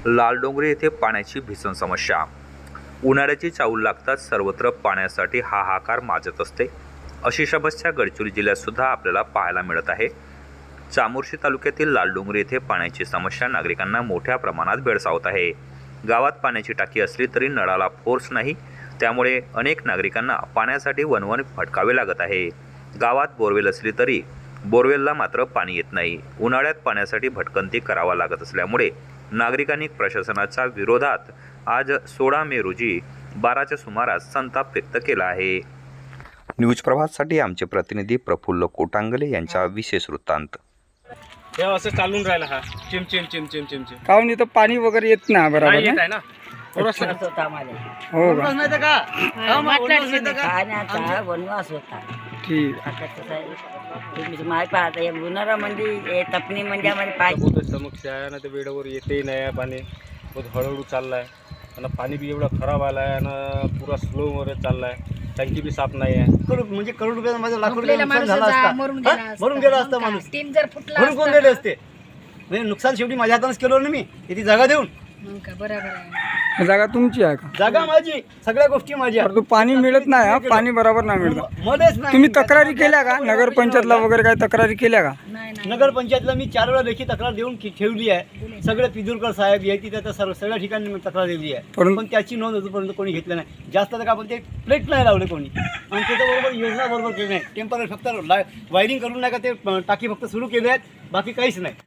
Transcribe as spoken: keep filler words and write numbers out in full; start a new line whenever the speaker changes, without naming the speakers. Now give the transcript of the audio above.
लालडोंगरी येथे पाण्याची भीषण समस्या। उन्हाळ्याची चाहूल लागताच सर्वत्र पाण्यासाठी हाहाकार माजत असते। अशी समस्या गडचिरोली जिल्ह्यात सुद्धा आपल्याला पाहायला मिळत आहे। चामोर्शी तालुक्यातील लालडोंगरी येथे पाण्याची समस्या नागरिकांना मोठ्या प्रमाणात भेडसावत आहे। गावात पाण्याची टाकी असली तरी नळाला फोर्स नाही, त्यामुळे अनेक नागरिकांना पाण्यासाठी वणवण भटकावे लागत आहे। गावात बोरवेल असली तरी बोरवेलला मात्र पाणी येत नाही। उन्हाळ्यात पाण्यासाठी भटकंती करावा लागत असल्यामुळे नागरिकांनी प्रशासनाच्या विरोधात आज सोळा मे रोजी बाराच्या सुमारास संताप व्यक्त केला आहे। न्यूज प्रभातसाठी आमचे प्रतिनिधी प्रफुल्ल कोटांगले यांचा विशेष वृत्तांत।
हे असं चालून राहिला हा चिम चिम चिम चिम चिम चिम
काऊन इथं पाणी वगैरे येत ना बरोबर
नाही येत
ना?
आहे ना थोडंसं
होता आम्हाला
हो का?
नाही तर का
का
खाण्याचा वनवास होता
ठीक
आता कसं आहे, तुम्ही माय पाहता या उन्हाळ्यामध्ये तपणी म्हणजे आम्हाला पाहिजे
बहुत समस्या आहे ना, ते वेळेवर येते नाही आहे पाणी, बहुत हळूहळू चाललं आहे आणि पाणी बी एवढं खराब आलं आहे आणि पुरा स्लोवर चाललं आहे। टंकी बी साफ नाही आहे।
करोड म्हणजे करोड रुपये माझं लाख रुपये
झोपलेला
नुकसान
माणूस
झालं
जा,
असता
मरून गेला
हा?
असता.
मरून गेला असता
मग काय?
माणूस
टीम जर फुटला
म्हणून कोण
असता
गेले
ना.
असते म्हणजे नुकसान शेवटी माझ्या हातानेच केलं ना मी ती जागा देऊन
मग काय बरोबर आहे.
आहे। जागा तुमची आहे का?
जागा माझी, सगळ्या गोष्टी माझ्या।
परंतु पाणी मिळत नाही हा, पाणी बरोबर नाही मिळत।
मध्येच नाही
तुम्ही तक्रारी केल्या का नगर पंचायतला वगैरे काय तक्रारी केल्या का?
नाही नाही
नगर पंचायतला मी चार वेळा लेखी तक्रार देऊन की- ठेवली आहे। सगळे पिदुरकर साहेब यायची त्या सर्व सगळ्या ठिकाणी मी तक्रार दिली आहे,
परंतु-
पण त्याची नोंद अजूनपर्यंत कोणी घेतलं नाही। जास्त तर का आपण ते प्लेट नाही लावले कोणी, आणि त्याच्याबरोबर योजना बरोबर केली नाही। टेम्पररी फक्त वायरिंग करून नाही का ते टाकी फक्त सुरू केले आहेत, बाकी काहीच नाही।